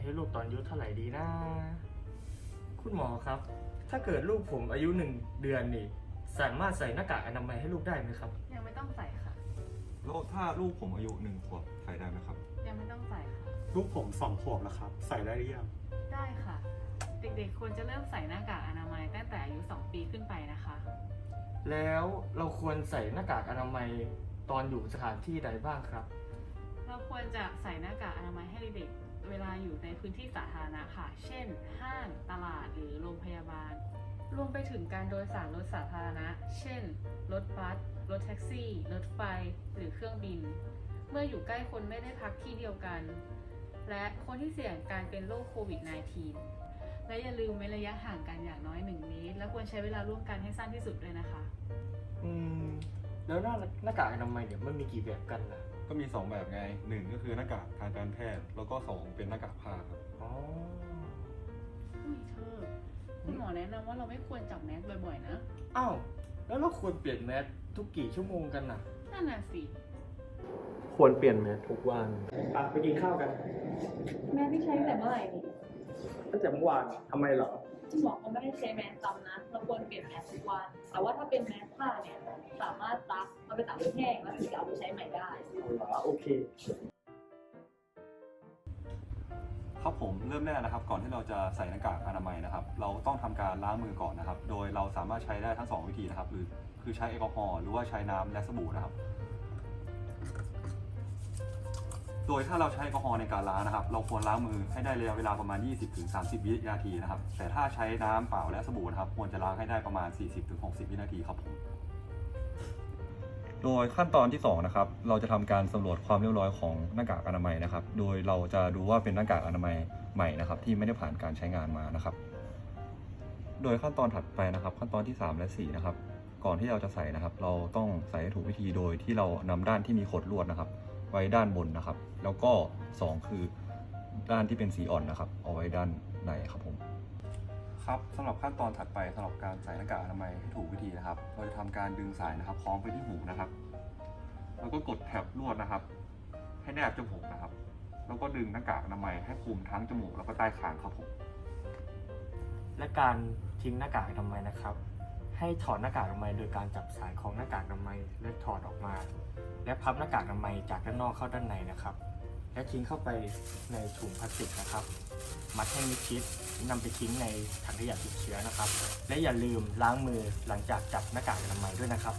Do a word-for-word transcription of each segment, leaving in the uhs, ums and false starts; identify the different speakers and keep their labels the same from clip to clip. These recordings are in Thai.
Speaker 1: ให้ลูกตอนอายุเท่าไหร่ดีนะคุณหมอครับถ้าเกิดลูกผมอายุหนึ่งเดือนนี่สามารถใส่หน้ากากอนามัยให้ลูกได้ไหมครับ
Speaker 2: ยังไม่ต้องใส่ค่ะ
Speaker 3: แล้วถ้าลูกผมอายุหนึ่งขวบใส่ได้ไหมครับ
Speaker 2: ยังไม่ต้องใส่ค่ะ
Speaker 4: ลูกผมสองขวบแล้วครับ ใส่ได้หรือยัง
Speaker 2: ได้ค่ะเด็กๆควรจะเริ่มใส่หน้ากากอนามัยตั้งแต่อายุสองปีขึ้นไปนะคะ
Speaker 1: แล้วเราควรใส่หน้ากากอนามัยตอนอยู่สถานที่ใดบ้างครับ
Speaker 2: เราควรจะใส่หน้ากากอนามัยให้เด็กๆเวลาอยู่ในพื้นที่สาธารณะค่ะเช่นห้างตลาดหรือโรงพยาบาลรวมไปถึงการโดยสารรถสาธารณะเช่นรถบัสรถแท็กซี่รถไฟหรือเครื่องบินเมื่ออยู่ใกล้คนไม่ได้พักที่เดียวกันและคนที่เสี่ยงการเป็นโรคโควิด สิบเก้า และอย่าลืมเว้นระยะห่างกันอย่างน้อยหนึ่งเมตรและควรใช้เวลาร่วมกันให้สั้นที่สุดเลยนะคะ
Speaker 1: อืมแล้วหน้าหน้ากากอนามัยเนี่ยมันมีกี่แบบกันล่ะ
Speaker 3: ก็มีสองแบบไงหนึ่งก็คือหน้ากากทางการแพทย์แล้วก็สองเป็นหน้ากากผ้าครับ
Speaker 1: อ๋อ
Speaker 2: อุ้ยเธอคุณหมอแนะนำว่าเราไม่ควรจับแมสบ่อยๆนะ
Speaker 1: อ้าวแล้วเราควรเปลี่ยนแมสทุกกี่ชั่วโมงกันน่ะ
Speaker 2: นั่นน่ะสิ
Speaker 4: ควรเปลี่ยนแมสทุกวัน
Speaker 1: อ่ะไปกินข้าวกัน
Speaker 2: แมสที่ใช้แต่เมื่อไหร่นี่
Speaker 1: ตั้งแต่เมื่อวานทำไมเหรอ
Speaker 2: คุณหมอเขาไม่ให้ใช้แมสซ้ำนะเราควรเปลี่ยนแมสทุกวันแต่ว่าถ้าเป็นแมสผ้าเนี่ยสามารถซักเอาไปตากให้แห้งแล้วถึงจะเอาไปใช้ใหม่ได้
Speaker 1: เหรอโอเค
Speaker 3: ครับผมเริ่มแรกนะครับก่อนที่เราจะใส่หน้ากากอนามัยนะครับเราต้องทำการล้างมือก่อนนะครับโดยเราสามารถใช้ได้ทั้งสองวิธีนะครับหรือคือใช้แอลกอฮอล์หรือว่าใช้น้ำและสบู่นะครับโดยถ้าเราใช้แอลกอฮอล์ในการล้างนะครับเราควรล้างมือให้ได้ระยะเวลาประมาณ ยี่สิบถึงสามสิบ วินาทีนะครับแต่ถ้าใช้น้ำเปล่าและสบู่นะครับควรจะล้างให้ได้ประมาณ สี่สิบถึงหกสิบ วินาทีครับผมโดยขั้นตอนที่สองนะครับเราจะทำการสำรวจความเรียบร้อยของหน้ากากอนามัยนะครับโดยเราจะดูว่าเป็นหน้ากากอนามัยใหม่นะครับที่ไม่ได้ผ่านการใช้งานมานะครับโดยขั้นตอนถัดไปนะครับขั้นตอนที่สามและสี่นะครับก่อนที่เราจะใส่นะครับเราต้องใส่ให้ถูกวิธีโดยที่เรานำด้านที่มีขดลวดนะครับไว้ด้านบนนะครับแล้วก็สองคือด้านที่เป็นสีอ่อนนะครับเอาไว้ด้านในครับผมครับสำหรับขั้นตอนถัดไปสำหรับการใส่หน้ากากอนามัยให้ถูกวิธีนะครับเราจะทำการดึงสายนะครับคล้องไปที่หูนะครับแล้วก็กดแถบลวดนะครับให้แนบจมูกนะครับแล้วก็ดึงหน้ากากอนามัยให้คลุมทั้งจมูกแล้วก็ใต้คางครับผม
Speaker 1: และการทิ้งหน้ากากอนามัยนะครับให้ถอดหน้ากากอนามัยโดยการจับสายของหน้ากากอนามัยและถอดออกมาและพับหน้ากากอนามัยจากด้านนอกเข้าด้านในนะครับและทิ้งเข้าไปในถุงพลาสติกนะครับมัดให้มิดชิดนำไปทิ้งในถังขยะติดเชื้อนะครับและอย่าลืมล้างมือหลังจากจับหน้ากากอนามัยด้วยนะครับ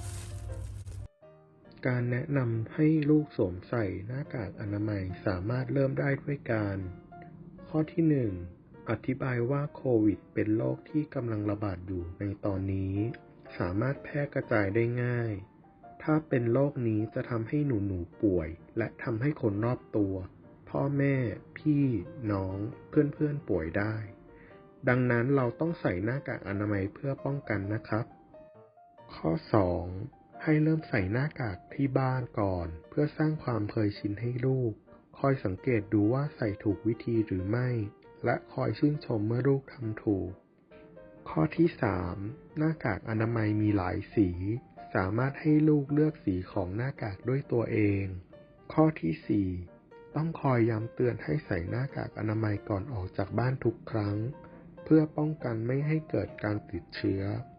Speaker 5: การแนะนำให้ลูกสวมใส่หน้ากากอนามัยสามารถเริ่มได้ด้วยการข้อที่หนึ่งอธิบายว่าโควิดเป็นโรคที่กำลังระบาดอยู่ในตอนนี้สามารถแพร่กระจายได้ง่ายถ้าเป็นโรคนี้จะทำให้หนูๆป่วยและทำให้คนรอบตัวพ่อแม่พี่น้องเพื่อนๆป่วยได้ดังนั้นเราต้องใส่หน้ากากอนามัยเพื่อป้องกันนะครับข้อสองให้เริ่มใส่หน้ากากที่บ้านก่อนเพื่อสร้างความเคยชินให้ลูกคอยสังเกตดูว่าใส่ถูกวิธีหรือไม่และคอยชื่นชมเมื่อลูกทำถูกข้อที่สามหน้ากากอนามัยมีหลายสีสามารถให้ลูกเลือกสีของหน้ากากด้วยตัวเองข้อที่สี่ต้องคอยย้ำเตือนให้ใส่หน้ากากอนามัยก่อนออกจากบ้านทุกครั้งเพื่อป้องกันไม่ให้เกิดการติดเชื้อ